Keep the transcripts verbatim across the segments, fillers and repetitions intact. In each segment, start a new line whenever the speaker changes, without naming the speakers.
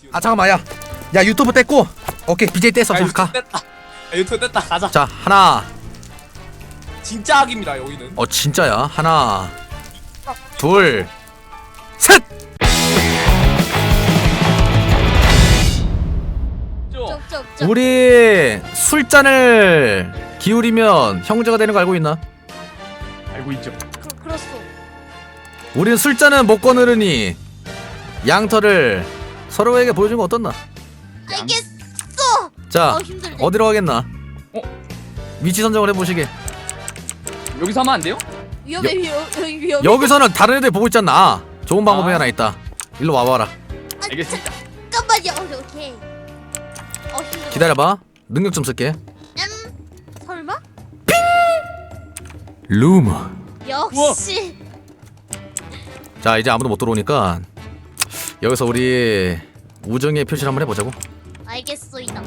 아 잠깐만 야. 야 유튜브 뗐고. 오케이 비제이 뗐어.
아,
자
유튜브
가.
뗐다. 아, 유튜브 뗐다. 가자.
자 하나.
진짜 악입니다 여기는.
어 진짜야. 하나. 둘. 셋.
좀.
쪽쪽쪽.
우리 술잔을 기울이면 형제가 되는 거 알고 있나?
알고 있죠.
그, 그렇소.
우리는 술잔은 못 거느르니 양털을 서로에게 보여주는 거 어떻나?
알겠어.
자
어 힘들네.
어디로 가겠나?
어?
위치 선정을 해보시게.
여기서 하면 안 돼요?
위험해 위험 위험.
여기서는 다른 애들 보고 있잖아. 아, 좋은 방법이
아.
하나 있다. 일로 와봐라.
알겠습니다.
잠깐만요. 어, 오케이. 어 힘들어.
기다려봐. 능력 좀 쓸게.
음 설마?
루머.
역시.
자 이제 아무도 못 들어오니까 여기서 우리 우정의 표시를 한번 해보자고.
알겠소이다.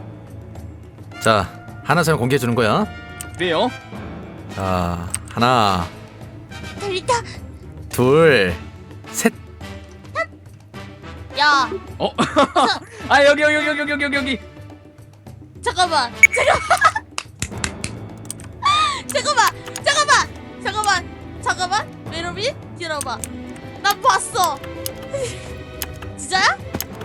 자 하나 씩 공개해 주는 거야.
그래요?
자 하나
들리다.
둘 셋.
야
어? 아 여기 여기 여기 여기 여기 여기 여기.
잠깐만. 잠깐만. 잠깐만. 잠깐만. 잠깐만. 잠깐만. 메로미 들어봐. 난 봤어. 진짜야?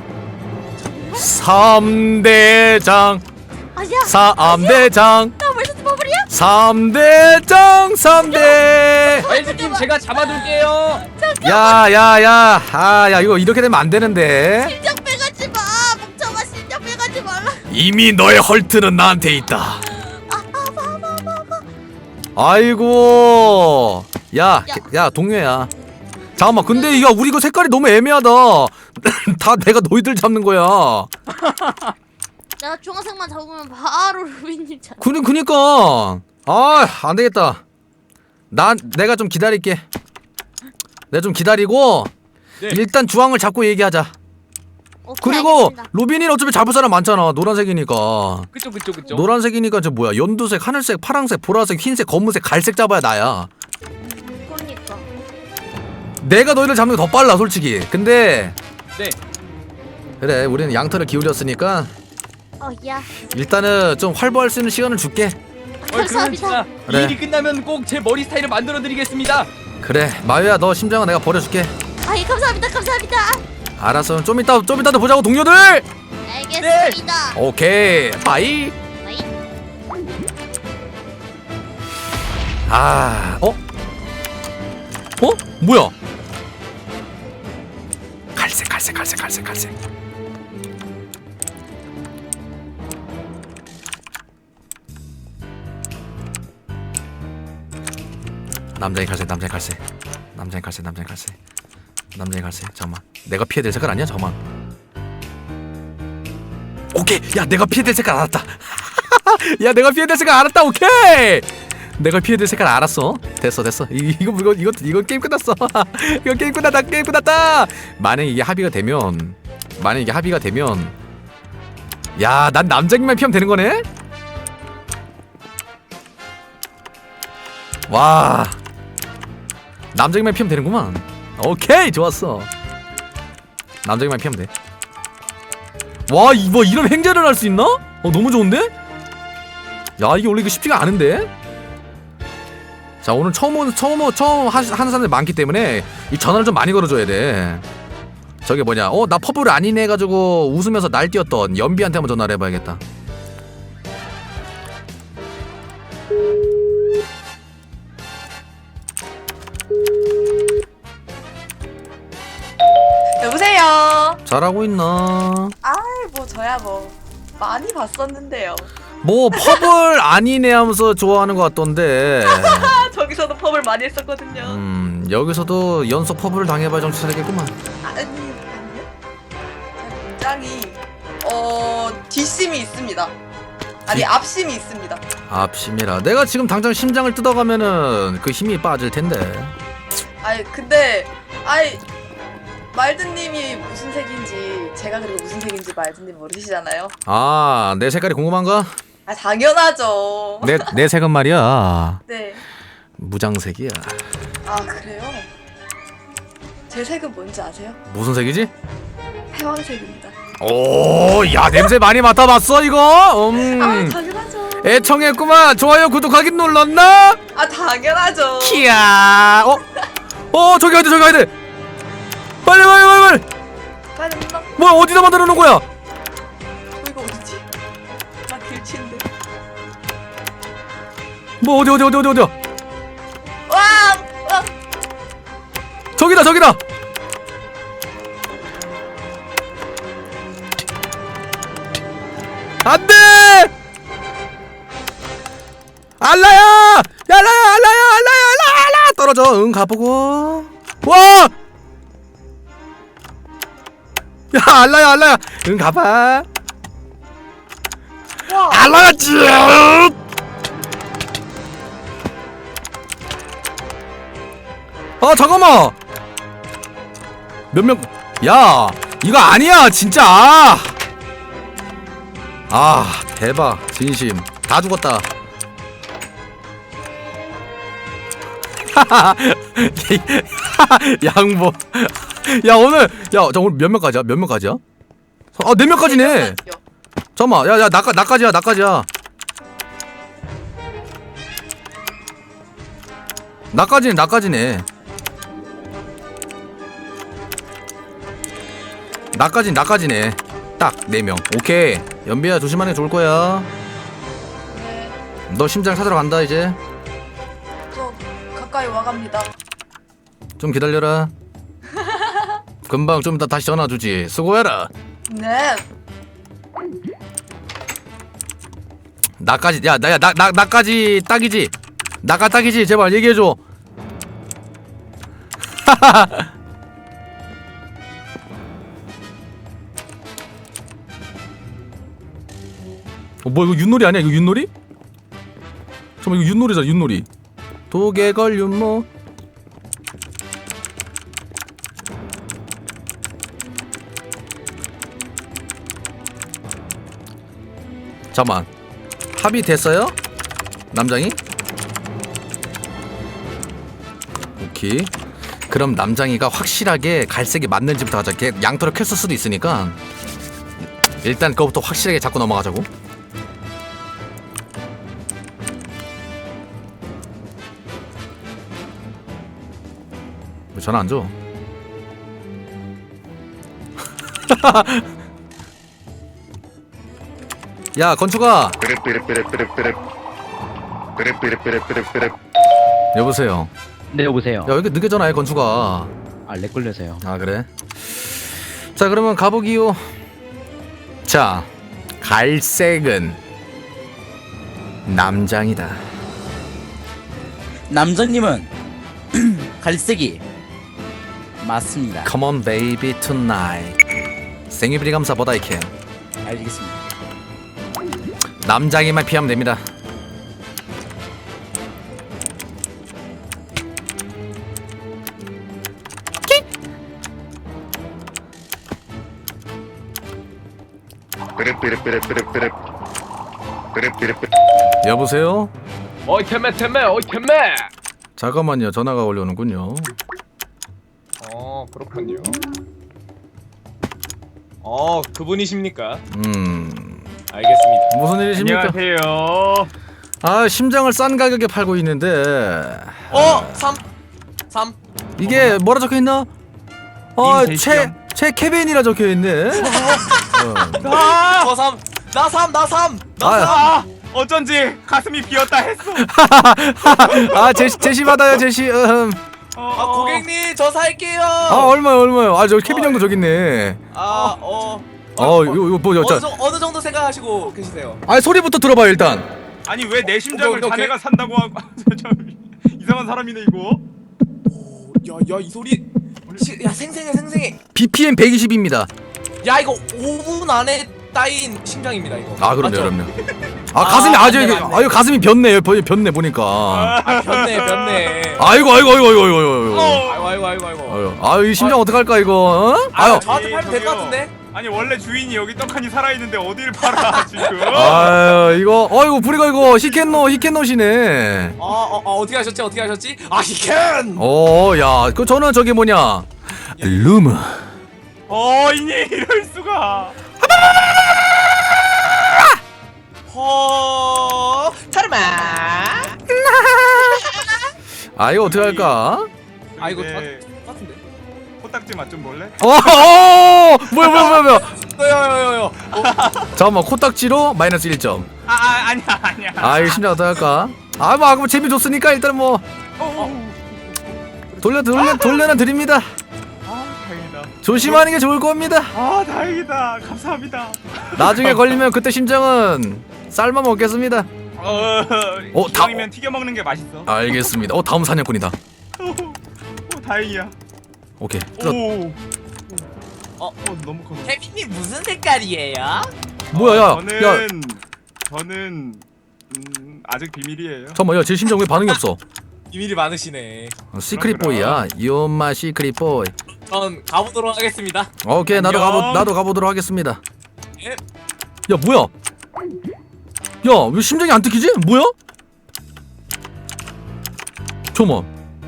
삼대장
아니야.
삼대장
나 벌써 버블이야?
삼대장 삼대.
알지님 제가 잡아둘게요.
야야야 아야 이거 이렇게 되면 안 되는데.
심장 빼가지 마. 멍청아 심장 빼가지 말라.
이미 너의 헐트는 나한테 있다.
아, 아, 봐, 봐, 봐, 봐.
아이고 야 야 동료야. 잠깐만 근데 이거 우리 이거 색깔이 너무 애매하다. 다 내가 너희들 잡는 거야.
내가 중학생만 잡으면 바로 루비님 잡.
그니 그니까 아 안되겠다. 난 내가 좀 기다릴게. 내가 좀 기다리고
네.
일단 주황을 잡고 얘기하자.
오케이,
그리고
알겠습니다.
로빈이는 어차피 잡을 사람 많잖아. 노란색이니까.
그쵸 그쵸 그쵸.
노란색이니까 저 뭐야 연두색, 하늘색, 파랑색, 보라색, 흰색, 검은색, 갈색 잡아야 나야.
그러니까.
내가 너희를 잡는 게 더 빨라 솔직히. 근데
네.
그래 우리는 양털을 기울였으니까
어야.
일단은 좀 활보할 수 있는 시간을 줄게.
어, 그러면 진짜
감사합니다.
그래.
일이 끝나면 꼭 제 머리 스타일을 만들어 드리겠습니다.
그래 마유야 너 심장은 내가 버려줄게.
아이 감사합니다. 감사합니다.
알았어 좀 이따 좀 이따 또 보자고 동료들.
알겠습니다.
오케이 바이.
아이.
아 어? 어? 뭐야? 갈색 갈색 갈색 갈색 갈색. 남자의 갈색 남자의 갈색 남자의 갈색 남자의 갈색 남자의 갈색. 잠깐만 내가 피해야 될 색깔 아니야? 잠깐만. 오케이 야 내가 피해야 될 색깔 알았다. 야 내가 피해야 될 색깔 알았다. 오케이 내가 피해야 될 색깔 알았어. 됐어 됐어. 이, 이거 이거 이거 이거 게임 끝났어. 이거 게임 끝났다. 게임 끝났다. 만약 이게 합의가 되면 만약 이게 합의가 되면 야 난 남자기만 피하면 되는 거네. 와 남자기만 피하면 되는구만. 오케이 좋았어. 남자기만 피하면 돼. 와 이거 이런 행제를 할 수 있나? 어 너무 좋은데? 야 이게 원래 이거 쉽지가 않은데? 자 오늘 처음 온 처음 오- 처음 하, 하는 사람들 많기 때문에 이 전화를 좀 많이 걸어줘야 돼. 저게 뭐냐? 어 나 퍼블 아니네 해가지고 웃으면서 날뛰었던 연비한테 한번 전화를 해봐야겠다.
여보세요.
잘하고 있나?
아이 뭐 저야 뭐 많이 봤었는데요.
뭐 퍼블 아니네 하면서 좋아하는 것 같던데.
아, 저기서도 펍을 많이 했었거든요.
음 여기서도 연속 퍼블을 당해봐야 정신 차리겠구만.
아니 아니요. 제 굉장히 어 뒷심이 있습니다. 아니
뒷-
앞심이 있습니다.
앞심이라. 내가 지금 당장 심장을 뜯어가면은 그 힘이 빠질 텐데.
아이 근데 아이 말드님이 무슨 색인지 제가 그리고 무슨 색인지 말드님 모르시잖아요.
아 내 색깔이 궁금한가?
아 당연하죠.
내 내 색은 말이야
네.
무장색이야.
아 그래요? 제 색은 뭔지 아세요?
무슨 색이지?
패왕색입니다.
오, 야 냄새 많이 맡아봤어 이거?
아
음,
당연하죠.
애청했구만. 좋아요, 구독하기 눌렀나?
아 당연하죠.
키야. 어, 어 저기 가야 돼, 저기 가야 돼. 빨리, 빨리, 빨리, 빨리.
빨리 나
뭐야, 어디다 만들어 놓은 거야?
어, 이거 어디지? 나 길치인데.
뭐 어디, 어디, 어디, 어디, 어디야?
와! 와!
저기다, 저기다. 안돼! 알라야! 알라야, 알라야, 알라야, 알라, 알라! 떨어져. 응, 가보고. 와! 야, 알라야, 알라야. 응, 가봐.
와!
알라야, 쭉! 아, 잠깐만. 몇 명? 야, 이거 아니야, 진짜. 아, 대박. 진심. 다 죽었다. 양보. 야, 오늘, 야, 저 오늘 몇 명까지야? 몇 명까지야? 아, 네 명까지네. 잠깐만, 야, 야, 나까, 나까지야, 나까지야. 나까지는, 나까지네. 나까진, 나까지네. 딱, 네 명. 오케이. 연비야, 조심하는 게 좋을 거야.
네.
너 심장 찾으러 간다, 이제.
저 가까이 와갑니다.
좀 기다려라. 금방 좀 이따 다시 전화 주지. 수고해라.
네.
나까지, 야, 나야, 나, 나, 나까지 딱이지. 나까 딱이지. 제발 얘기해줘. 어, 뭐 이거 윷놀이 아니야? 이거 윷놀이? 잠깐만, 이거 윷놀이잖아, 윷놀이. 도개걸 윷모. 잠깐만, 합의 됐어요? 남장이? 오케이. 그럼 남장이가 확실하게 갈색이 맞는지부터 하자. 걔 양털을 켰을 수도 있으니까 일단 그거부터 확실하게 잡고 넘어가자고. 왜 전화 안 줘? 야, 건축아. 여보세요.
네 여보세요.
야, 왜 이렇게 늦게 전화해, 건축아.
아렉 걸려서요.
아, 그래? 자, 그러면 가보기요. 자, 갈색은 남장이다.
남장님은 갈색이 맞습니다.
Come on baby tonight. 생일비리 감사 보다 이캔.
알겠습니다.
남장이만 피하면 됩니다. 여보세요?
어이 템매 템매 어이 템매.
잠깐만요, 전화가 올려오는군요.
어 그렇군요. 어 그분이십니까?
음,
알겠습니다.
무슨 일이십니까?
안녕하세요.
아, 심장을 싼 가격에 팔고 있는데.
어 삼 삼.
이게 뭐라 적혀 있나? 어,
님
최,
대시형.
최 케빈이라 적혀 있네. 어.
아,
저 삼, 나 삼, 나 삼.
아,
아 어쩐지 가슴이 비었다 했어.
아, 제시, 제시 받아요, 제시. 음.
어,
아 고객님 저 살게요.
아, 얼마요, 얼마요? 아, 저 케빈 형도 저기 있네.
아 어.
어, 이거, 이거 뭐,
어느,
자,
정, 어느 정도 생각하시고 계시세요?
아, 소리부터 들어봐요, 일단.
아니 왜 내 심장을
오케이, 오케이.
자네가 산다고 하고 저, 이상한 사람이네 이거.
야야 이 소리. 시, 야 생생해 생생해.
비피엠 백이십입니다.
야 이거 오 분 안에 따인 심장입니다 이거.
아, 그럼요,
맞죠?
그럼요. 아, 가슴이
아,
아주
맞네,
이게,
맞네.
아유, 가슴이 변네, 변- 변네 보니까.
아 변네 변네.
아이고, 아이고, 아이고, 아이고, 아이고.
아이고 아이고 아이고 아이고.
아유, 아유, 이 심장 어떡할까 이거? 어? 아유,
저한테 팔면 될 것
저기요.
같은데?
아니 원래 주인이 여기 떡하니 살아있는데 어딜 팔아 지금.
아유, 이거, 어이구, 부리가 이거 히켄노, 히켄노시네.
아, 어, 어, 어떻게 하셨지? 어떻게 하셨지? 아, 히켄!
어, 야, 그 저는 저기 뭐냐, 루무.
어이니 이럴 수가.
아 이거 어떻게 할까?
아 이거
근데
다 같은데.
코딱지 맛 좀 볼래?
어, 어 뭐야 뭐야 뭐야 뭐야
여여여여.
잠깐만 코딱지로 마이너스 일 점.
아, 아 아니야 아니야.
아 이거 심장 어떻게 할까? 아뭐 아까 뭐 재미 줬으니까 일단 뭐 돌려 돌려 돌려는 드립니다.
아 다행이다.
조심하는 게 좋을 겁니다.
아 다행이다. 감사합니다.
나중에 걸리면 그때 심장은 삶아 먹겠습니다.
어,
어, 다-
이왕이면 튀겨 먹는 게 맛있어.
알겠습니다. 어 다음 사냥꾼이다.
오, 다행이야.
오케이.
오.
뜯어.
어, 어 너무 커.
케빈님 무슨 색깔이에요?
뭐야 야
저는
야
저는 음, 아직 비밀이에요.
잠깐만 야제 심장 왜 반응이 없어?
비밀이 많으시네.
어, 시크릿 보이야. 이엄마 시크릿 보이.
전 가보도록 하겠습니다.
오케이 나도
안녕.
가보 나도 가보도록 하겠습니다.
예.
야 뭐야? 야 왜 심장이 안 뜯기지? 뭐야? 잠깐만.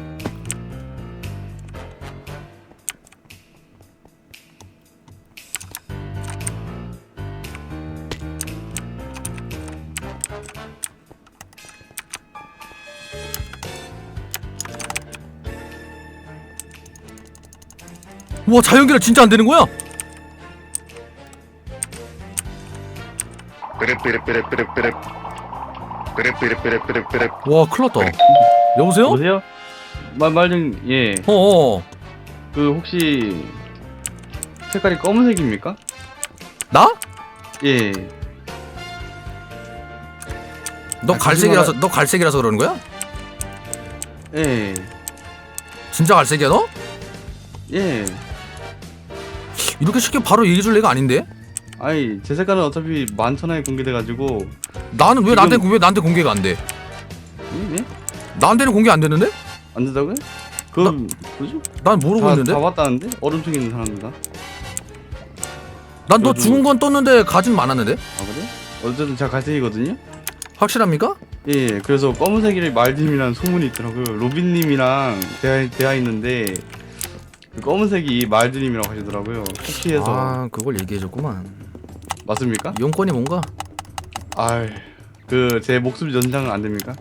와 자연계라 진짜 안 되는 거야? 와 큰일났다. 여보세요?
보세요. 말말좀 예.
어어
그 혹시 색깔이 검은색입니까?
나?
예.
너
아,
갈색이라서
거짓말하-
너 갈색이라서 그러는 거야?
예.
진짜 갈색이야 너?
예.
이렇게 쉽게 바로 얘기해 줄 애가 아닌데?
아니 제 색깔은 어차피 만천하에 공개돼가지고.
나는 왜
지금-
나한테 왜 나한테 공개가 안 돼?
예? 예?
나한테는 공개 안 되는데?
안 된다고요? 그럼 뭐죠?
난 모르고
다,
있는데?
다 봤다는데? 얼음층 있는 사람들다.
난 너
저도-
죽은 건 떴는데 가진 많았는데?
아 그래? 어쨌든 제가 갈색이거든요.
확실합니까?
예, 예. 그래서 검은색이 말님이라는 소문이 있더라고요. 로빈님이랑 대화 대화 있는데 그 검은색이 말드님이라고 하시더라고요. 쿠키에서
아 그걸 얘기해줬구만.
맞습니까?
용건이 뭔가?
아, 그 제 목숨 연장은 안 됩니까?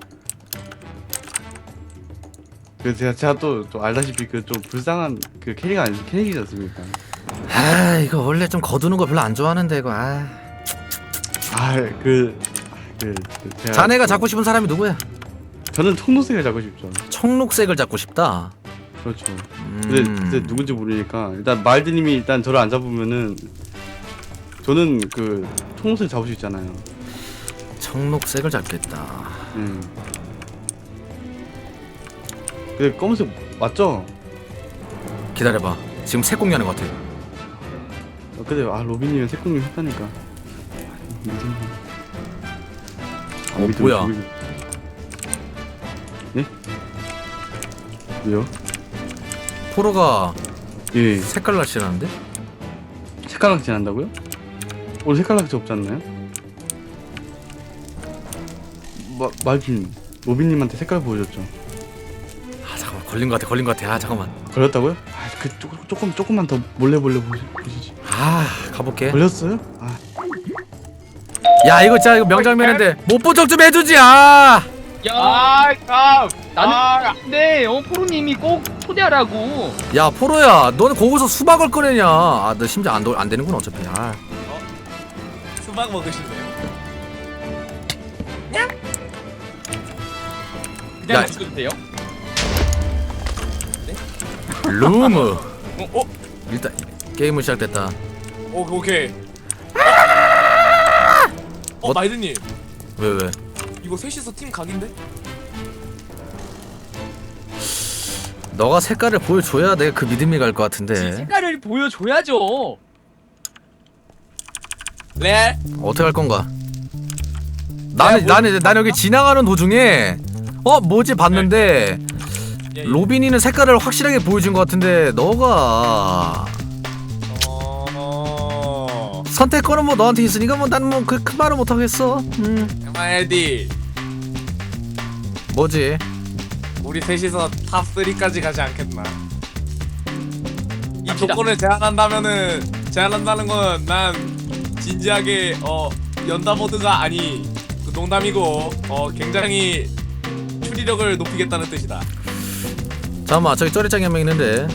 그 제가 제가 또, 또 알다시피 그 좀 불쌍한 그 캐릭 아니 캐릭이지 않습니까?
아 이거 원래 좀 거두는 거 별로 안 좋아하는데 이거. 아.
아, 그, 그, 그 제가
자네가
또-
잡고 싶은 사람이 누구야?
저는 청록색을 잡고 싶죠.
청록색을 잡고 싶다.
그렇죠.
음...
근데, 근데 누군지 모르니까 일단 말드님이 일단 저를 안 잡으면은 저는 그 청록색 잡을 수 있잖아요.
청록색을 잡겠다.
음. 근데 검은색 맞죠?
기다려봐. 지금 새 공유하는 것 같아.
어, 근데 아 로빈님은 색공유 했다니까. 무슨 아,
어,
믿음,
뭐야?
믿음. 네? 왜요?
포로가
예.
색깔 낚시라는데?
색깔락지 한다고요? 오늘 색깔락지 없지 않나요? 마, 말좀 로빈님한테 색깔 보여줬죠.
아 잠깐만 걸린 것 같아 걸린 것 같아. 아 잠깐만.
걸렸다고요? 아, 그 조금 조금 조금만 더 몰래 몰래 보시, 보시지.
아 가볼게.
걸렸어요? 아,
야 이거 진짜 이거 명장면인데 못 본 척 좀 해주지. 아.
아, 참.
나는
아,
근데 어 포로님이 꼭 초대하라고.
야 포로야 너는 거기서 수박을 꺼내냐. 아 너 심지어 안, 도, 안 되는구나 어차피. 아.
수박 먹으실래요?
야,
먹으셔도 돼요?
루무.
어? 어?
일단 게임은 시작됐다.
오, 오케이. 어,
어?
마이드님.
왜 왜?
이거 셋이서 팀 각인데?
너가 색깔을 보여줘야 내가 그 믿음이 갈 것 같은데.
색깔을 보여줘야죠.
레알?
어떻게 할 건가? 나는
뭐-
나는 난 여기 지나가는 도중에 어 뭐지 봤는데
예, 예.
로빈이는 색깔을 확실하게 보여준 것 같은데 너가
어...
선택권은 뭐 너한테 있으니까 뭐 난 뭐 그 큰 말은 못 하겠어. 음
마이디,
뭐지?
우리 셋이서 탑 삼까지 가지 않겠나? 이
갑시다.
조건을 제한한다면은 제한한다는 건 난 진지하게 어 연다보드가 아니 그 농담이고 어 굉장히 추리력을 높이겠다는 뜻이다.
잠깐만 저기 쩌리짱이 한 명 있는데.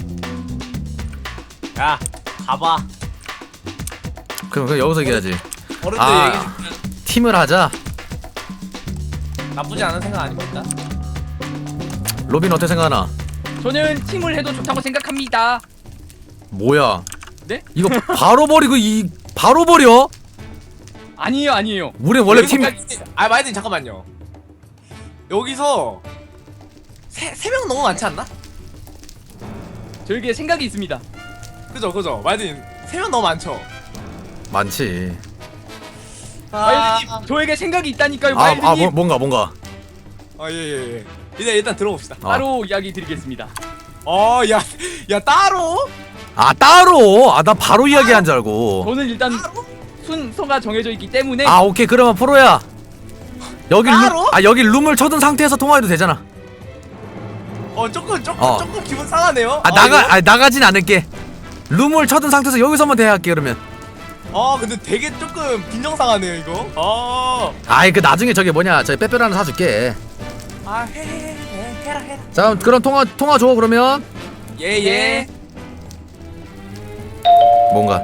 야 가봐.
그럼 그냥 여기서 얘기하지.
어른들
아.
얘기해줄게.
팀을 하자.
나쁘지 않은 생각 아닙니까?
로빈 어떻게 생각하나?
저는 팀을 해도 좋다고 생각합니다.
뭐야?
네?
이거 바로 버리고 이 바로 버려?
아니에요, 아니에요.
우리 원래 팀
여기서까지- 아 마이든 잠깐만요. 여기서 세세 명 너무 많지 않나?
저에게 생각이 있습니다.
그죠 그죠 마이든 세 명 너무 많죠.
많지.
마일드님, 저에게 생각이 있다니까요,
아, 아
마일드님.
뭐, 뭔가 뭔가.
아예예 예. 일단 일단 들어봅시다.
아.
바로 이야기 드리겠습니다.
어야야 야, 따로
아 따로. 아 나 바로 이야기한 줄 알고.
저는 일단 순서가 정해져 있기 때문에
아 오케이 그러면 프로야. 여기 룸,
따로?
아 여기 룸을 쳐둔 상태에서 통화해도 되잖아.
어 조금 조금
어.
조금 기분 상하네요.
아
어,
나가
이거?
아 나가진 않을게. 룸을 쳐둔 상태에서 여기서만 대화할게 그러면.
어 근데 되게 조금 빈정상하네요 이거. 어.
아이 그 나중에 저기 뭐냐 저기 빼빼로 하나 사줄게.
아해해해 해라 해라.
자 그럼 통화 통화 줘 그러면.
예예.
뭔가.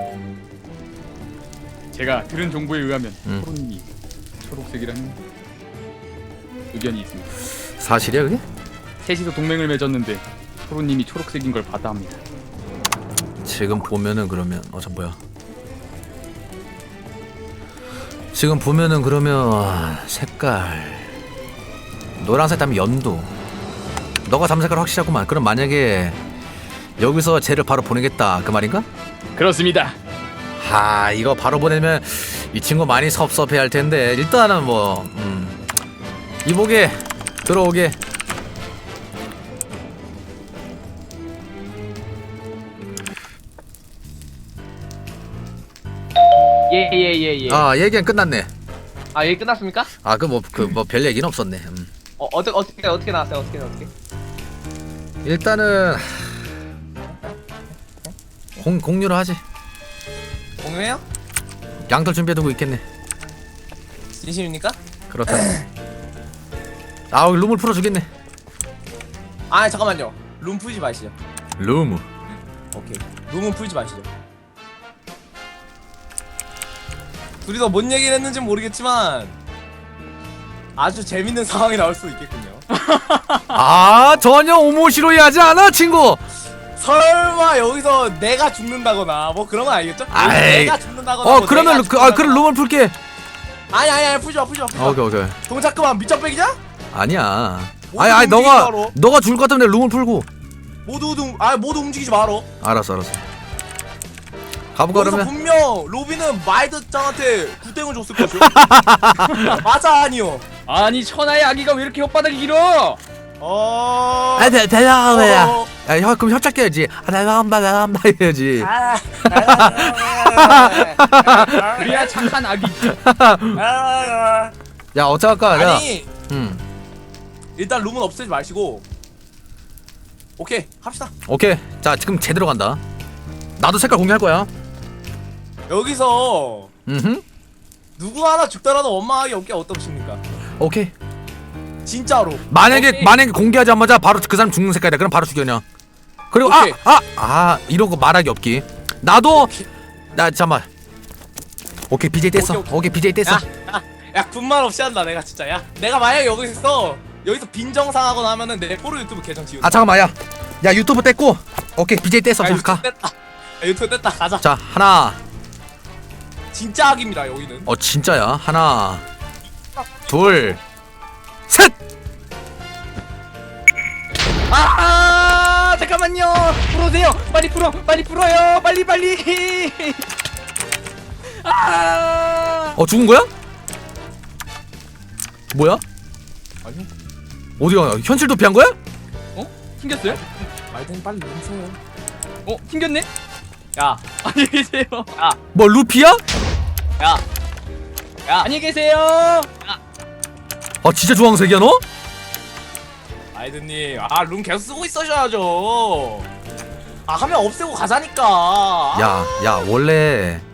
제가 들은 정보에 의하면
음.
프로님이 초록색이라는 의견이 있습니다.
사실이야 그게?
셋이서 동맹을 맺었는데 프로님이 초록색인 걸 받아 합니다.
지금 보면은 그러면 어 저 뭐야? 지금 보면은 그러면 아, 색깔 노란색 다음에 연두. 너가 담은 색깔 확실하구만. 그럼 만약에 여기서 쟤를 바로 보내겠다 그 말인가?
그렇습니다.
하 이거 바로 보내면 이 친구 많이 섭섭해 할 텐데 일단은 뭐 음, 이보게 들어오게.
예예예 예.
아 얘기는 끝났네.
아 얘기 끝났습니까?
아 그 뭐 그 뭐 별 얘기는 없었네. 음.
어 어떻게 어떻게 어떻게 나왔어요? 어떻게 어떻게?
일단은 공 공유로 하지.
공유해요?
양털 준비해두고 있겠네.
진심입니까?
그렇다. 아 여기 룸을 풀어주겠네.
아 잠깐만요. 룸 풀지 마시죠.
룸.
오케이. 룸은 풀지 마시죠. 둘이서 뭔 얘기를 했는지 모르겠지만 아주 재밌는 상황이 나올 수 있겠군요.
아 전혀 오모시로이하지 않아 친구.
설마 여기서 내가 죽는다거나 뭐 그런 건 아니겠죠?
아이.
내가 죽는다거나
어
뭐
그러면
내가
루- 그, 아 그럼
죽는다거나.
룸을 풀게.
아니 아니 아니 풀지 마 풀지 마 풀지
아,
마.
오케이 오케이.
동작 그만 밑적백이자?
아니야.
모두
아니 아니
움직이지
너가
마라.
너가 죽을 것 같으면 내가 룸을 풀고.
모두 움- 아 모두 움직이지 마라.
알았어 알았어. 가볼까
여기서
그러면?
분명 로비는 마이드짱한테 굿땡을 줬을 것이오. 맞아 아니요.
아니 천하의 아기가 왜 이렇게 혓바닥이 길어?
어.
아 대, 대단하야.
어.
야 혀, 그럼 협작 해야지. 아 대단한다 대단한다 해야지.
아.
그래야 착한 아기.
아.
야 어떡할까? 야.
아니
음.
일단 룸은 없애지 마시고. 오케이 합시다.
오케이. 자 지금 제대로 간다. 나도 색깔 공개할 거야.
여기서
음.
누구 하나 죽더라도 원망하기 없게 어떻습니까?
오케이.
진짜로.
만약에
오케이.
만약에 공개하자마자 바로 그 사람 죽는 색깔이다. 그럼 바로 죽여 그냥. 그리고
오케이.
아아아 아, 이런 거 말하기 없기. 나도 나 잠만. 오케이 비제이 뗐어.
오케이,
오케이,
오케이.
비제이 뗐어.
야, 야, 야 군말 없이 한다 내가 진짜. 야 내가 만약에 여기서 여기서 빈정상하거나 하면은 내 포로 유튜브 계정 지운다.
아 잠깐만 야. 야 유튜브 뗐고. 오케이 비제이 뗐어.
아,
자,
유튜브
가.
뗐다. 야, 유튜브 뗐다 가자.
자 하나.
진짜 악입니다 여기는.
어 진짜야. 하나. 둘. 셋.
아 잠깐만요. 풀어주세요. 빨리 풀어. 빨리 풀어요. 빨리 빨리. 아.
어 죽은 거야? 뭐야?
아니
어디가? 현실 도피한 거야?
어? 튕겼어요?
말든 빨리 용서요.
어 튕겼네?
야,
안녕히 계세요.
뭐 루피야?
야, 야.
안녕히 계세요.
아 진짜 주황색이야 너?
아이드님, 아 룸 계속 쓰고 있으셔야죠. 아 하면 없애고 가자니까.
야, 야 원래